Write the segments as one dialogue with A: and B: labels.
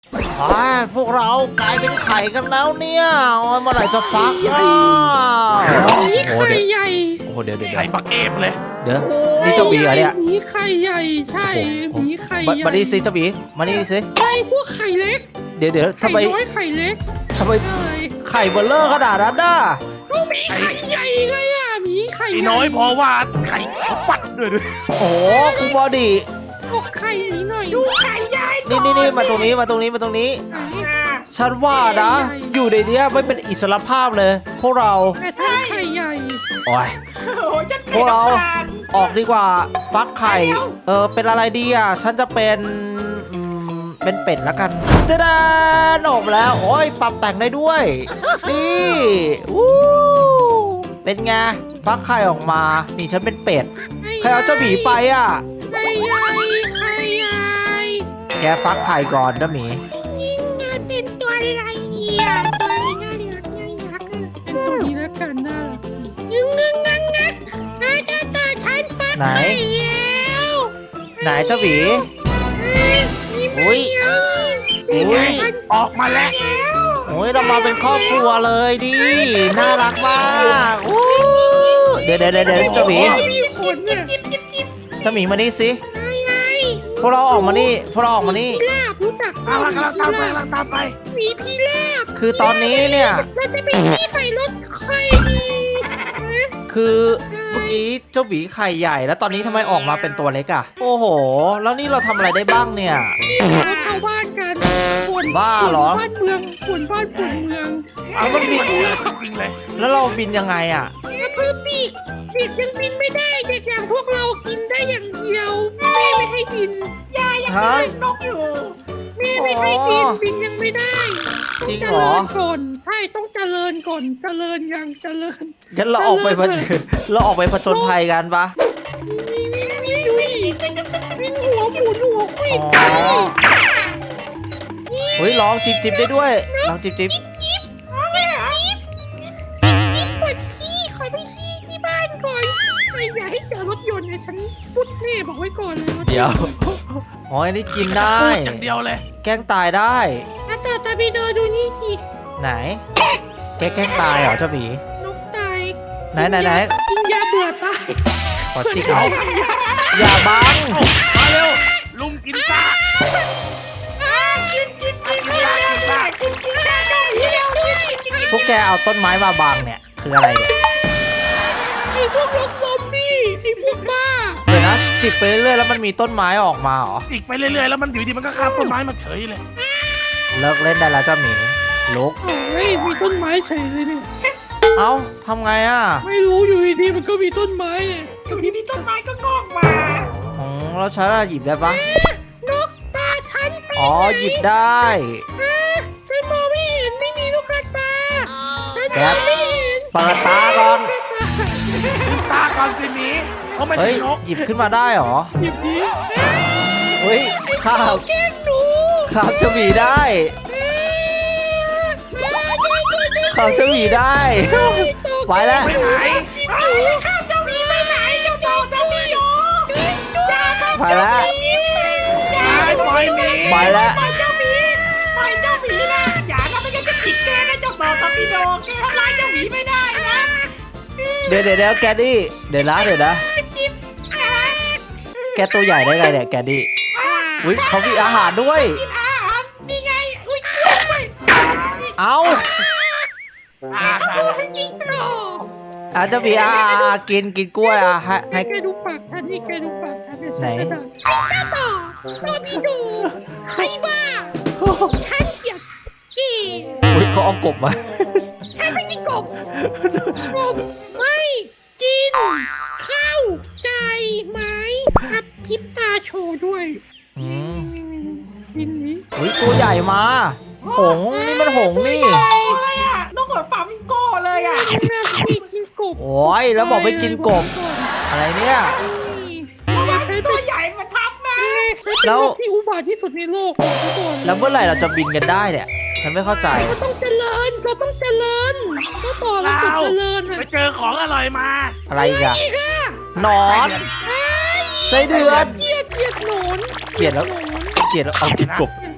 A: พวกเรากลายเป็นไข่กันแล้วเนี่ยเมื่อไหร่จะฟักอ่ะ
B: นี่ไข่ใหญ่
A: โอ้โหเดี๋ยว
C: ไข่ปักเอฟเลย
A: เดี๋ยวนี่เจ้าหมีเหรอเนี่ย
B: มีไข่ใหญ่ใช่มีไข่ใหญ่
A: มานี่สิเจ้าหมีมานี่สิ
B: ไอ้พวกไข่เล็ก
A: เดี๋ยวทำ
B: ไข่
A: ไม
B: น้อยไข่เล็ก
A: ทำไม
B: ใช่
A: ไข่เบลเลอร์ขนาดนั้นน่ะ
B: ก็มีไข่ใหญ่ไงอ่ะมีไข่
C: ไอ้น้อยเพราะว่าไข่เขียวปัดด้วย
A: โอ้โหคุณบอดี้
B: พวกไข่นี้หน่อยดูไข่ใหญ่
A: นี่มาตรงนี้ฉันว่านะ อยู่ในเนี้ยไม่เป็นอิสรภาพเลย พวกเรา
B: แต่ถ้าไข่ใหญ่
A: โอ้ยพวกเราออกดีกว่าฟักไข่เป็นอะไรดีอ่ะฉันจะเป็นเป็ดแล้วกันจะได้ออกแล้วโอ้ยปรับแต่งได้ด้วยนี่วู้เป็นไงฟักไข่ออกมานี่ฉันเป็นเป็ดใครเอาเจ้าหมีไปอ่ะ
B: ไข่ใหญ่ไข่ใหญ่
A: แกฟักไข่ก่อนเจ้าหมี
B: นี่ไงเป็นตัวอะไรเนี่ยตัวอะไรน่ารักน่ารักเป็นตัวนี้แล้วกันน่ารักงักน่าจะต่อฉันฟัก
A: ไหน
B: ไข่แล้ว
A: ไหนเจ้าหมี
B: นี่
A: อุ๊ย
C: นี่ไงออกมาแล้ว
A: โอ้ยเรามาเป็นครอบครัวเลยดิน่ารักมากอู้เดี๋ยวเจ้าหมี
B: มีขนเนี่ย
A: เจ้าหมีมานี่สิ
B: ไง
A: พวกเราออกมานี่พวกเราออกมานี่
B: พิราบรู้จัก
C: กำลังตามไป
B: มีพิราบ
A: คือตอนนี้เนี่ย
B: เราจะไปที่ใส่รถใครดี
A: คือเมื่อกี้เจ้าหมีไข่ใหญ่แล้วตอนนี้ทำไมออกมาเป็นตัวเล็กอะโอ้โห แล้วนี่เราทำอะไรได้บ้างเนี่ย
B: นี่เราชาวบ้านกันฝน
A: บ้าเหรอ
B: บ้านเมืองฝนบ้านฝนเมือง
C: เอามันบินเลยจริงเลย
A: แล้วเราบินยังไงอะ
B: แล้วเพื่อปีกยังบินไม่ได้เด็กอย่างพวกเรากินได้อย่างเดียวแม่ไม่ให้บินยายยัง
A: ฮะ
B: นกอยู่แม่ไม่ให้บินบินยังไม่ได้
A: จริง
B: เจ
A: เหร
B: ริ
A: อ
B: ญก่อนใช่ต้องเจริญก่อนเจริญยังเจริญ
A: งั้นเราออกไปเราออกไปผจญภัยกันปะ
B: วิ่งหัวหมุนหัวควิ
A: อ๋
B: ด
A: อเฮ้ยร้องจิบได้ด้วยร้องจิบ
B: จิ๊บเอาไปเหรอจิ๊บปวดขี้ขอไปขี้ที่บ้านก่อนใครอย่าให้เจอรถยนต์เนี่ยฉันพุดแน่บอกไว้ก่อนเลย
A: เดี๋ยวอ๋ออันนี้กินได้
C: พูดอย่างเดียวเลย
A: แกล้งตายได้
B: ถ้าเจอตาบีโดดูนี่สิ
A: ไหนแกล้งตายเหรอเจ้าหมี
B: นกตาย
A: ไหน
B: กินยาเบื่อตาย
A: ขอจิกเอาอย่าบัง
C: มาเร็วลุมกินซ่า
A: พวกแกเอาต้นไม้มาบังเนี่ยคืออะไรเนี่ย
B: ไอ้พวกรถซอมบี้ไอ้พวกบ้า
A: เดี๋ยวนะจิกไปเรื่อยๆแล้วมันมีต้นไม้ออกมาเหรอ
C: จิกไปเรื่อยๆแล้วมันอยู่ดีมันก็ข้ามต้นไม้มาเฉยเลย
A: เลิกเล่นได้แล้วเจ้าหมีลุก
B: โอ้ยมีต้นไม้เฉยเลยเนี่ย
A: เอ้าทำไงอ่ะ
B: ไม่รู้อยู่ดีๆมันก็มีต้นไม้เนี่ยอยู่ดีๆต้นไม้ก็งอกมา
A: อ๋อแล้วฉันอะหยิบได้ปะ
B: นกตาฉัน
A: อ๋อหยิบได้
B: ฉันมองไม่เห็นไม่มีลูกตาฉัน
A: แก
B: มองไม่เห็น
A: เปิดตาก่อน
C: ลืมตาก่อนสิหมีเขาไม่
A: เฮ้
C: ใช่
A: ย
C: นก
A: หยิบขึ้นมาได้เหรอ
B: หยิบดี
A: เฮ้ยข้าว
B: แกล้งหนู
A: ข้าวเจ้าหมีได้ข้าวเจ้าหมีได้ ไปแล้ว
C: ไปไหน
B: ข้าเจ้าหมีไปไหนเจ้าบอกเจ้าหมีอยู่
A: ไปแล้ว
C: ปล่อยหมี
A: ไปแล้ว
B: ปล่อยเจ้าหมีปล่อยเจ้าหมีนะอย่านะไม่งั้นจะผิดแกนะเจ้าบอกตอปิโดแกทำร้ายเจ้าหมีไม่ได้นะ
A: เดี๋ยวแกดี้เดี๋ยวนะ
B: จิ๊บ
A: แกตัวใหญ่ได้ไงเนี่ยแกดี้อุ้ยเขามีอาหารด้วย
B: อาหารนี่ไงอุ้ยกล้วย
A: เอ้า
B: นี่โอ้
A: อาจจะมีกินกล้วยให้
B: แกดูปากฉันนี่แกดูปากฉันเนี่ย
A: ไหน
B: ไอ้ตาต่อตอปิโดไอ้บ้าฉันเกลียดเกย์
A: อุ้ยเขาเอากบมา
B: ฉันไม่กินกบไม่กินข้าวไก่ไม้กับพริบตาโชว์ด้วย
A: อืม
B: กินนี้
A: อุ้ยตัวใหญ่มา หงส์นี่มันหงส์นี่
B: อะไรอ่ะน้องเหมือนฟามิงโก้เลยอ่ะแม่พี่กินกบ
A: โอ้ยแล้วบอกไม่กินกบ อะไรเนี่ย
B: ตัวใหญ่มาทับมาเป็นโรคที่อุบาทที่สุดในโลกบอกไว้ก่อน
A: แล้วเมื่อไหร่เราจะบินกันได้เนี่ย ฉันไม่เข้าใจ
B: เราต้องเจริญเราต้องเจริญต้องต่อเราต้องเจริญอ่ะ
C: ไปเจอของอร่อยมา
A: อะไรอีกอะ
B: นี่ค่ะ
A: หนอนไส้เดือน
B: เกลียดหนอน
A: เกลียดแล้วเอากินกบ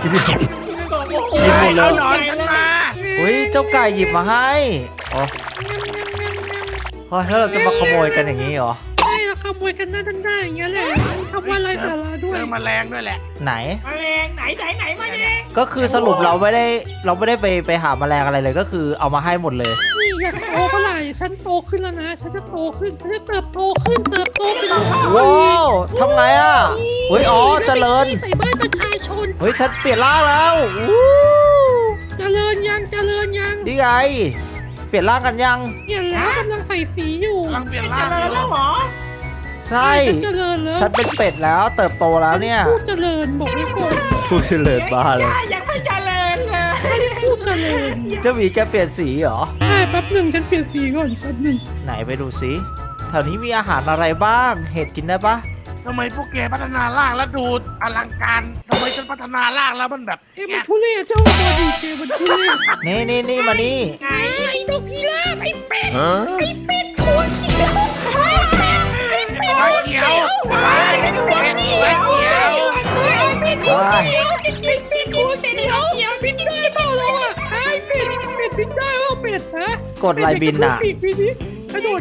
A: กินหมดเล
C: เอา
A: ย
C: หนอนฉันมา
A: อุ้ยเจ้าไก่หยิบมาให้อ๋อเพราะถ้าเราจะมาขโมยกันอย่างนี้เหรอ
B: ใช่เราขโมยกันหน้าด้านหน้าอย่างเงี้ยแหละทำว่าไรสาระด้วย
C: เจอแมลงด้วยแหละ
A: ไหน
D: มาแรงไหนมาแรง
A: ก็คือสรุปเราไม่ได้ไปหาแมลงอะไรเลยก็คือเอามาให้หมดเลย
B: นี่อยากโตเมื่อไหร่ฉันโตขึ้นแล้วนะฉันจะโตขึ้นฉันจะเติบโตขึ้นเติบโตเป็น
A: ว้าวทำไงอ่ะเฮ้ยอ๋อเจริญ
B: ใส่บ้านประชาชน
A: เฮ้ยฉันเปลี่ยนร่างแล้วอู้
B: เจริญยัง
A: นี่ไง เปลี่ยนร่างกันยัง
B: เปลี่ยนแล้วกำลังใส่สีอยู่
C: กำลังเปลี่ยน
D: เจ
C: ร่างอ
D: ริญ
C: ยู่
D: แล้วเหรอ
A: ใช่
B: ฉันเจริญแล้ว
A: ฉันเป็นเป็ดแล้วเติบโตแล้วเนี่ย
B: พูดเจริญบอกไว้ก่อน
A: พูดเลิศบ้าเลย
D: ยังไม่เจริญเลย
B: พูดเจริญ
A: เจ้าหมีแกเปลี่ยนสีเหรอ
B: ใช่แป๊บหนึ่งฉันเปลี่ยนสีก่อนแป๊บหนึ่ง
A: ไหนไปดูสิแถวนี้มีอาหารอะไรบ้าง เห็ดกินได้ปะ
C: ทำไมพวกแกพัฒนาร่างแล้วดูอลังการทำไมฉันพัฒนาร่างแล้วมันแบบ
B: เอ้มันทุเรศเจ้าบอดีเจมันทุเรศ
A: นี่มานี่
D: ไง
B: ไอ้นกพิราบไอ้เป็ดไอ้เป็ดหัวเขียวไอ้เป็ด
C: หัวเขียวหัวเขียวหัวเขียว
B: เป็ดหัวเขียวเป็ดหัวเขียวบินได้เปล่าเราอ่ะไอ้เป็ดบินได้เปล่าเป็ดฮะ
A: กดลายบินอ่ะ
B: ปีกบินดิกระโดด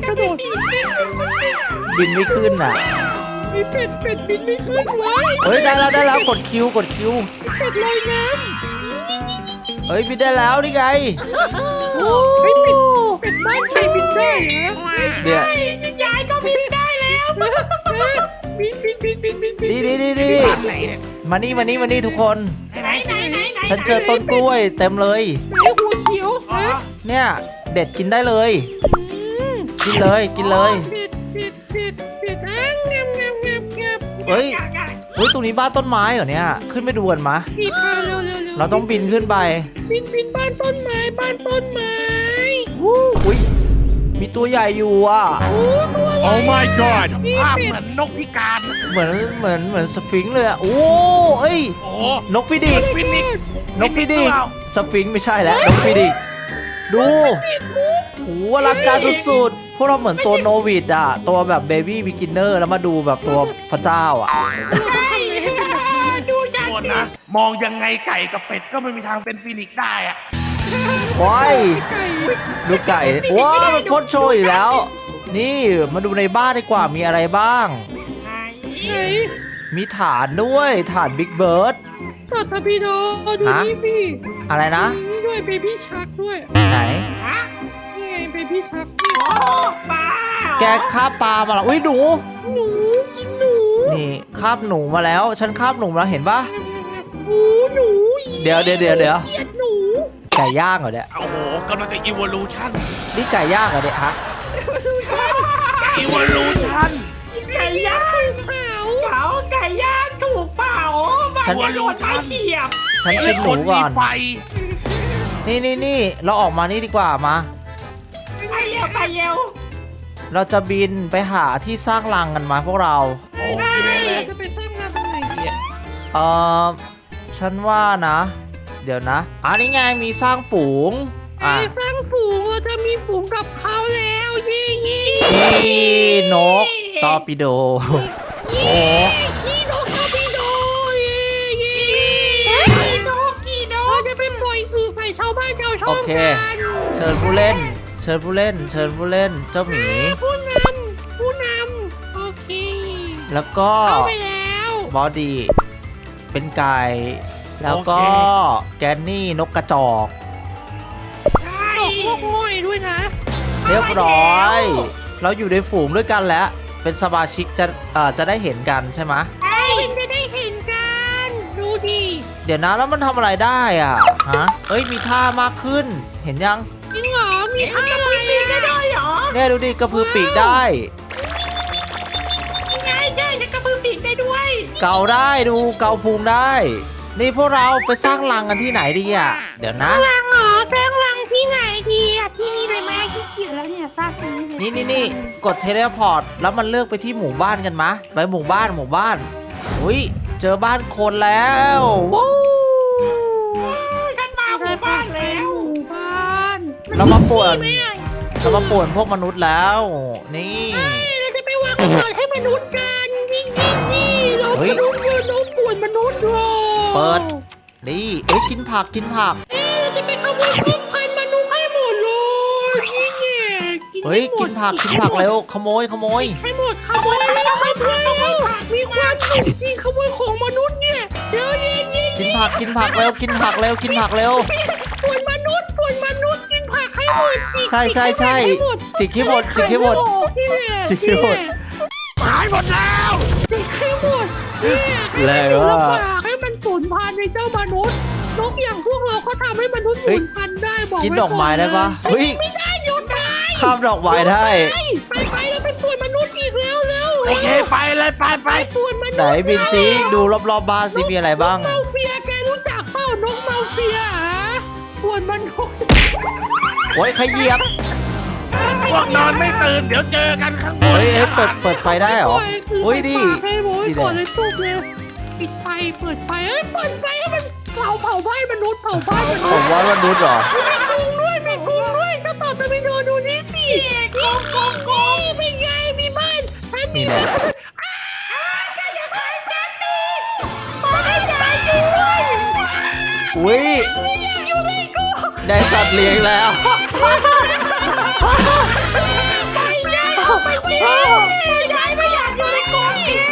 A: บินไม่ขึ้นอ่ะ
B: ไอ้เป็ดบินไม่ขึ้นวะ
A: เฮ้ยได้แล้วกดคิว
B: เป็ดลอยน้
A: เฮ้ยบินได้แล้วนี่ไง
B: ำไอ้เป็ดบ้านใครบินได้เหรอ
A: เดี๋ยวย
D: ายก็บินได้แล้ว
B: บิน
A: นี่
C: บ้านไหนเนี่ย
A: มานี่ทุกคน
C: ไหน
D: ไหน
A: ฉันเจอต้นกล้วยเต็มเลย
B: ไหนหัวเขียว
C: อ๋อ
B: ฮะ
A: เนี่ยเด็ดกินได้เลย กินเลย
B: เป็ดอ่ะงับ
A: เฮ้ยตรงนี้บ้านต้นไม้เหรอเนี่ย ขึ้นไปดูกันมะ
B: พี่พาเร็ว
A: เราต้องบินขึ้นไป
B: บินบ้านต้นไม้
A: อุ้ยมีตัวใหญ่อยู่อ่ะ
B: โอ้ตัวอะไร
C: Oh my god ภาพเหมือนนกพิการ
A: เหมือนสฟิงค์เลยอ่ะ โอ้เอ้ย
C: โอ้
A: นกฟิดิก
C: ฟินิก
A: นกฟิดิกสฟิงค์ไม่ใช่แล้ว นกฟิดิกดูโอ้อลังการสุดๆ พวกเราเหมือนตัวโนวิดอ่ะ ตัวแบบเบบี้บิกินเนอร์แล้วมาดูแบบตัวพระเจ้าอ่ะ
D: ดูจาก
C: โทษนะ มองยังไงไก่กับเป็ดก็ไม่มีทางเป็นฟินิกได้อะ
A: ว้าย
B: ไก่
A: ดูไก่ ว้าวมันพ่นโชยอีกแล้ว นี่มาดูในบ้านดีกว่ามีอะไรบ้าง
B: ไหน
A: มีฐานด้วยฐานบิ๊กเบิร์ด
B: ตัดทพีโดดูนี่สิ
A: อะไรนะ
B: นี่ด้วยเบบี้ชักด้วย
A: ไหน
D: ฮะ
B: นี่ไงเบบี้ชัก
D: โอ้ป้า
A: แกคาบปลามาแล้วอุ้ยหนู
B: หนูกินหนู
A: นี่คาบหนูมาแล้ว ฉันคาบหนูมาแล้วเห็นปะ
B: หนู
A: เดี๋ยว
B: เกลียดหนู
A: ไก่ย่างเหรอเนี่ย
C: โอ้โหกำลังจะ evolution
A: นี่ไก่ย่างเหรอเนี่ยฮะ
C: evolution
D: ไก่ย่าง
B: เผา
D: เผาไก่ย่างถูกเผาบ้านโดนไม้เขียบ
A: ฉันกินหนูก่อน
C: มีไฟ
A: นี่เราออกมานี่ดีกว่ามา
D: ไปเร็ว
A: เราจะบินไปหาที่สร้างรังกันมาพวกเรา
B: ได้จะไปสร้างร้านตรงไหนดีอ่ะ
A: เออฉันว่านะ เดี๋ยวนะอันนี้ไงมีสร้างฝูง
B: ไปสร้างฝูงเราจะมีฝูงกับเขาแล้วเย่เย่
A: นี่นกตอร์ปิโด
B: เย่นี่นกคาปิโดเย่เย่
D: กี่โด
B: เราจะไปปล่อยคือใส่ชาวบ้านชาวช่อง
A: โอเค
B: กัน
A: เชิญผู้เล่น เจ้าหมี
B: ผู้นำโอเค
A: แล้วก็
B: เข้าไปแล้ว
A: บอดี้เป็นไก่ แล้วก็แกนนี่นกกระจอก
B: ตกพวกห้อยด้วยนะ
A: เรียบร้อย เราอยู่ในฝูงด้วยกันแล้ว เป็นสมาชิกจะได้เห็นกันใช่ไหม
B: เป็นจะได้เห็นกันดูดิ
A: เดี๋ยวนะแล้วมันทำอะไรได้อ่ะฮะเอ้ยมีท่ามากขึ้น เห็นยัง
B: จริงเหรอมีท่าอะไร
D: ได้ด้วยเหรอ
A: เนี่ยดูดิกระพือปีกได้
D: ใช่ฉันกระพือปีกได้ด้วย
A: เกาได้ดูเกาพุงได้ นี่พวกเราไปสร้างรังกันที่ไหนดีอ่ะ เดี๋ยวนะ
B: รังเหรอสร้างรังที่ไหนดีอ่ะที่นี่เลยไหมขี้เกียจแล้วเนี่ยสร้างที่นี่เลย
A: นี่กดเทเลพอร์ตแล้วมันเลือกไปที่หมู่บ้านกันมะไปหมู่บ้านอุ้ยเจอบ้านคนแล้วว้าว
D: ฉันมาหมู่บ้านแล้ว
B: หมู่บ้าน
A: เรามาป่วน
B: ไม่ได้
A: พวกมนุษย์แล้ว นี่
B: เราจะไปวางระเบิดให้มนุษย์กันนี่เรา
A: เฮ้ย
B: มนุษย์เราป่วนมนุษย์ด้วย
A: เปิดนี่เอ้ยกินผักกินผัก
B: เราจะไปขโมยพืชพันธุ์มนุษย์ให้หมดเลยนี่เนี่ยกิน
A: เฮ้ยกินผักเร็วขโมย
B: ให้หมดขโมยแล้วขโมยแล้วมีความสุขจริงขโมยของมนุษย์เนี่ยเดี๋ยวเย็น
A: กินผักเร็วกินผักเร็ว
B: ป่วนมนุษย์กินผักให้หมด
A: ใช่จิกให้หมด
C: หายหมดแล้ว
B: จิกให้หมดเนี่ยให้มันสูญพันธุ์ในเจ้ามนุษย์นกอย่างพวกเราเขาทำให้มนุษย์สูญพันธุ์ได้บอก
A: กินดอกไม้ได้ปะเฮ้ย
B: ไม่ได้หยุดได้
A: ข้ามดอกไม้ได้
B: ไปแล้วไปป่วนมนุษย์อีกแล้ว
C: โอเคไปเลยไป
B: ป่วนมนุษย์
A: ไหนบินซีดูรอบๆบ้านสิมีอะไรบ้าง
B: นกเมาเฟียแกรู้จักเปล่านกเมาเฟียป่วนมนุษย์
A: โอ้ยใครเหยียบ
C: พวกนอนไม่ตื่นเดี๋ยวเจอกันข้างบน
A: เฮ้ยเปิดไฟได้เหรอเฮ้ยดี
B: ให้โว้ยก่อนเลยทุบเลยปิดไฟเปิดไฟเปิดไฟให้มันเผาบ้านมนุษย์เผาบ้านมนุษย์
A: ผมว่ามนุษย์เหรอ
B: มีกรุงด้วยถ้าต่อไปดูนี่สิกงเป็นไงมีบ้านฉันมีบ้านอย่าทำกันดิไม่ได้ด้วย
A: อุ้ย
B: ไม่อยากอยู่ในกู
A: ได้สัตว์เลี้ยงแล้ว
B: ไม่อยากอยู่ในกู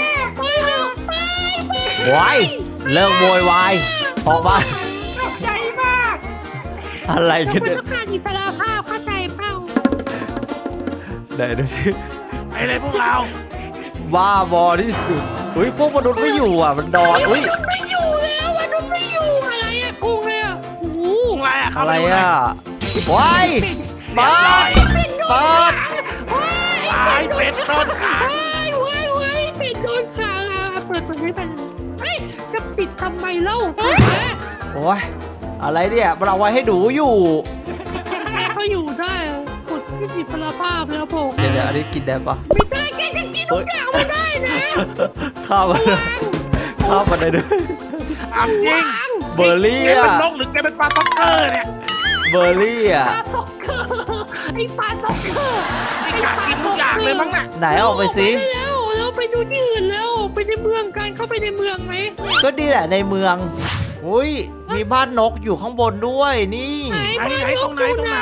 A: ว้ายเลิกโวยวายออกมา
D: ตกใจมาก
A: อะไรกัน
B: เป็
A: เนี่ย
B: นการอิสระภาพเข้าใจเปล่า
A: ไหนดูสิ
C: ไปเลยพวกเรา
A: บ้าบอที่สุดอุ้ยพวกมนุษย์ไม่อยู่อ่ะมันนอนอุ้ย
B: ไม่อยู่แล้วมนุษย์ไม่อยู่อะไรอะกรุงเลยอะโอ้โห
C: พวกอะไรอ่ะเข้า
A: อะไร
C: ไปดูหน่
A: อ่ะ
C: อย
A: ว้ายเปิด
C: ตายเป็ดต้นขา
B: ว้ายปิดโดนขังอะเปิดให้มันเฮ้ยจะปิดทำไมเล่า
A: โอ้ยอะไรเนี่ยมันเอาไว้ให้ดูอยู่
B: แค่เขาอยู่ได้กดที่อิสระภาพแล้วบอก
A: เดี๋ยวอันนี้กินได้ปะ
B: ไม่ได้แกจะกินทุกอย่างไม่ได้นะ
A: ข้าวมันได้ด้วย
C: อ้ำจริง
A: เบอร์รี่
C: แกเป็น
A: อ่ะ
C: นกหรือแกเป็นปลาซ็อกเกอร์เนี่ย
A: เบอร์รี่อ่ะ
B: ปลาซ็อกเกอร์ไอ้ปลาซ็อกเกอร์
C: นี่กัดกินทุกอย่างเลยมั้งน่ะ
A: ไหนออกไปสิ
B: แล้วไปดูที่อื่นแล้วไปในเมืองกันเข้าไปในเมืองไหม
A: ก็ดีแหละในเมืองอุ้ยมีบ้านนกอยู่ข้างบนด้วยนี่
C: ตรงไหน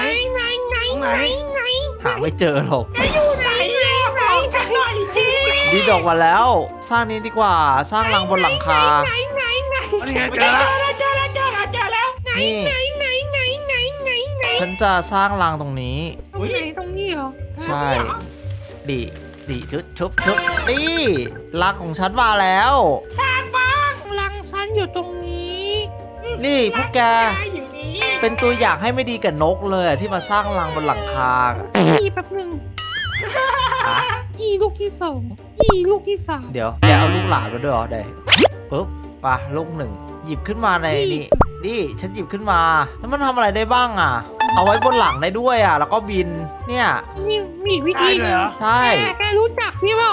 A: หาไม่เจอหรอก
B: อยู่ไหน
D: บอกฉันหน่อยสิ
A: ดีดออกมาแล้ว สร้างนี้ดีกว่าสร้างรังบนหลังคา
B: ไหน
C: นี่ไงเจอแล้ว
D: เจอแล้ว
A: นี่
B: ไหน
A: ฉันจะสร้างรังตรงนี้
B: ไหนตรงนี้เหรอ
A: ใช่ดีชุบนี่รังของฉันมาแล้ว
B: รังฉันอยู่ตรงนี้
A: นี่พวกแก
D: อย่างนี้
A: เป็นตัวอย่างให้ไม่ดีกับนกเลยอะที่มาสร้างรังบนหลังคาอะ
B: อีแป๊บนึงอีลูกที่สองอีลูกที่สาม
A: เดี๋ยวแกเอาลูกหลานมาด้วยเหรอเดี๋ยวปุ๊บไปลูกหนึ่งหยิบขึ้นมาในนี่ฉันหยิบขึ้นมาแล้วมันทำอะไรได้บ้างอ่ะ เอาไว้บนหลังได้ด้วยอ่ะ แล้วก็บินเนี่ย
B: นี่มีวิ
C: ได้
B: ธี
C: ด้วยเหรอ
A: ใช่
B: แกรู้จักพี่เปล่า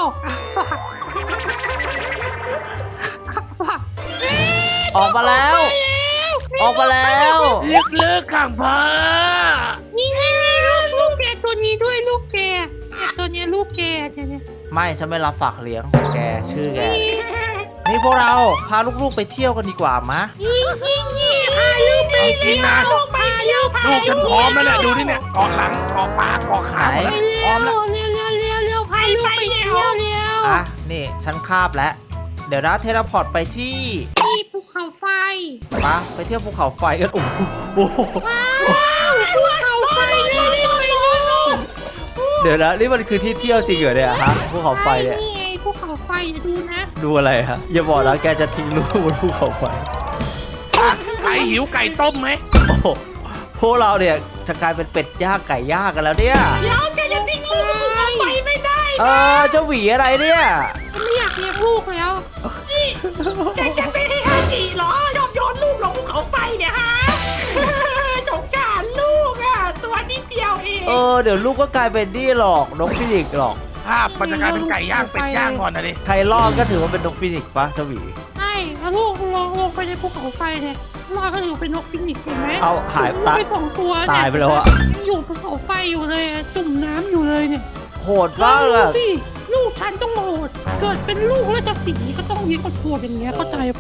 B: ฝาก
A: ออกมาแล้ว ออกมาแล้ว
C: ลึกๆข้างเพอ
B: นี่ลูกแกตัวนี้ด้วยลูกแกตัวนี้ลูกแกเนี่ย
A: ไม่ฉันไม่รับฝากเลี้ยงแกชื่อแกนี่พวกเราพาลูกๆไปเที่ยวกันดีกว่ามะ
B: นี่พาลูกไป
C: จริงนะ
B: พาลูก
C: ลูกกันพร้อมแล้วแหละดูนี่เนี่ยเกาะหลังเกาะปากเกาะขา
A: ไหน
C: พร้อมแล้ว
B: เร็วพาลูกไปเที่ยวเร็ว
A: อ่ะนี่ฉันคาบแล้ว เดี๋ยวนะเทเลพอร์ตไปที่
B: นี่ภูเขาไฟ
A: ไปเที่ยวภูเขาไฟกันโอ้โห
B: ว้าวภูเขาไฟเลยไปลูก
A: เดี๋ยวนะนี่มันคือที่เที่ยวจริงเหรอเนี่ยฮะภูเขาไฟเนี่ย
B: นี่ไงภูเขาไฟดูนะ
A: ดูอะไรฮะอย่าบอกนะแกจะทิ้งลูกบนภูเขาไฟ
C: ใครหิวไก่ต้มไหม
A: โอ้โหพวกเราเนี่ยจะกลายเป็นเป็ดย่างไก่ย่างกันแล้วเนี่ย
D: เดี๋ยวแกจะทิ้งลูกภูเขาไฟไม่ได้
A: เจ้าหวีอะไรเนี่ย
B: ไม่อยากเลี้ยงลูกแล้ว
D: แกจะไปให้ฮาจิเหรอยอมโยนลูกลงภูเขาไฟเนี่ยฮะสงสารลูกอ่ะตัวนิดเดียวเอง
A: เดี๋ยวลูกก็กลายเป็นนี่หรอกนกฟินิกส์หรอก
C: ภาพมันจะกลายเป็นไก่ย่างเป็ดย่างก่อนนะดิ
A: ใครรอดก็ถือว่าเป็นนกฟินิกส์ปะเจ้าหวี
B: ใช่แล้วลูกลงไปในภูเขาไฟเนี่ยลอยก็อยู่เป็นนกฟินิกส์เห็นไหม
A: เอาหาย
B: ตายไป2 ตัว
A: ตายไปแล้วอะ
B: อยู่ภูเขาไฟอยู่เลยจุ่มน้ำอยู่เลยเนี่ย
A: โหดมากเลย
B: สิลูกฉันต้องโหดเกิดเป็นลูกแล้วจะสีก็ต้องเลี้ยงโหดอย่างเงี้ยเข้าใจเปล่า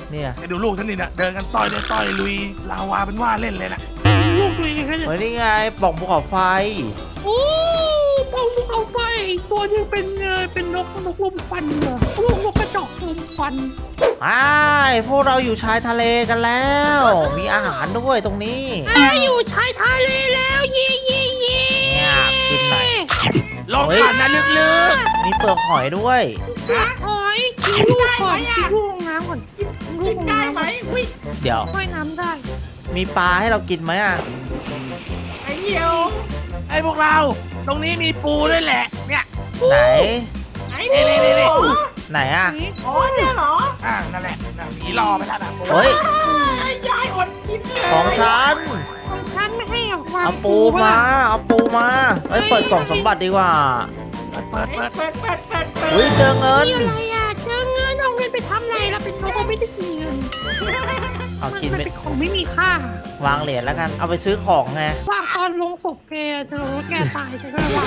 A: เนี่ย
C: ไปดูลูกท่านนี่นะเดินกันต่อยเลยต่อยลุยลาวาเป็นว่าเล่นเลยนะ
B: ลูกตัวเองกันเนี่ย
A: เฮ้ยนี่ไงปล่องภูเขาไฟ
B: โอ้ปองลูกเอาไฟอีกตัวหนึงเป็นนกลมควันเหรอลูกนกกระจอกลมควัน
A: พวกเราอยู่ชายทะเลกันแล้ว มีอาหารด้วยตรงนี้
B: อยู่ชายทะเลแล้วเย่เย่เย่
A: เนี่ยกินหน่อย
C: ลงผ่านนะลึก
A: มีเปลือกหอยด้วย
B: ปลาหอยกินลูกก่อนกินลูกลงน้ำก่อนกินลู
D: กิ
B: ก
D: น
B: ลง
D: ได้
B: น้ำ
D: ไหมวิ
A: เดี๋ยว
B: ว่ายน้ำได้
A: มีปลาให้เรากินไหมอ่ะ
D: ไอ้เหี่ยว
C: ๆไอ้พวกเรา ตรงนี้มีปูด้วยแหละ เนี่ย
A: ไหน
D: ไอ้นี่
C: นี่
A: ไหนอ่ะ
D: อ๋อเนี่ยเหรอ
C: นั่นแหละน่ะผีรอไปแล้วนะปู
A: เฮ้ย
D: ไอ้ยายอดกินเลย
A: ของฉัน
B: ของฉันไม่ให้ออกมา
A: เอาปูมา เอาปูมาเอ้ย เปิดกล่องสมบัติดีกว่า
C: เปิด
D: เปิด
A: อุ้ยเจอเงิน
B: นี่อะไรอ่ะเจอเงินเอาเงินไปทำอะไรเราเป็นนกเราไม่ได้กินเงิน
A: เอากิน
B: มัน
A: ไป
B: เป็นของไม่มีค่าว
A: างเหรียญแล้วกัน เอาไปซื้อของไง
B: ว่างตอนลงศพแกเธอว่าแกตายฉันก็เลยว่า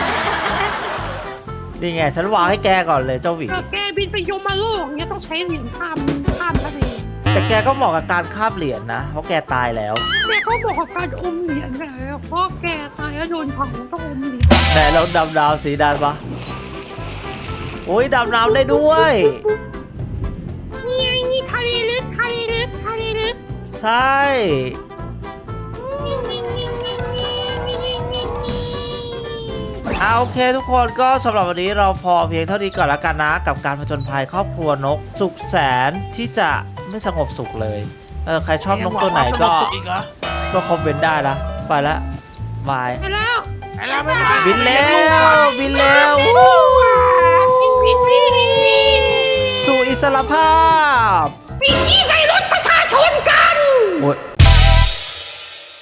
A: นี่ไง ฉันวางให้แกก่อนเลยเจ้าหวี
B: เธอแกบินไปยมโลกเนี้ยต้องใช้เหรียญข้ามทะเล
A: แต่แกก็เหมาะกับการคาบเหรียญนะ เพราะแกตายแล้ว
B: แกก็บอกกับการอมเหรียญแหละเพราะแกตายแล้วโดนเผาต้องอมเหรียญ
A: ไหนเราดำน้ำสีดำปะโอ้ยดำน้ำได้ด้วย
B: นี่ไงนี่ทะเลลึกทะเลลึกทะเลลึก
A: ใช่ โอเคทุกคนก็สำหรับวันนี้เราพอเพียงเท่านี้ก่อนละกันนะ กับการผจญภัยครอบครัวนกสุขแสนที่จะไม่สงบสุขเลย ใครชอบนกตัวไหนก็
C: สุกอีกเหรอ
A: ก็คอมเมนต์ได้นะ ไปละบาย
B: ไปแล้ว
C: ไปแล้วไม่ไหว
A: บินเร็วบินเร็ว สู่อิสรภาพ
B: ปีที่ใส่รถประชาชนกัน
A: โอ้ย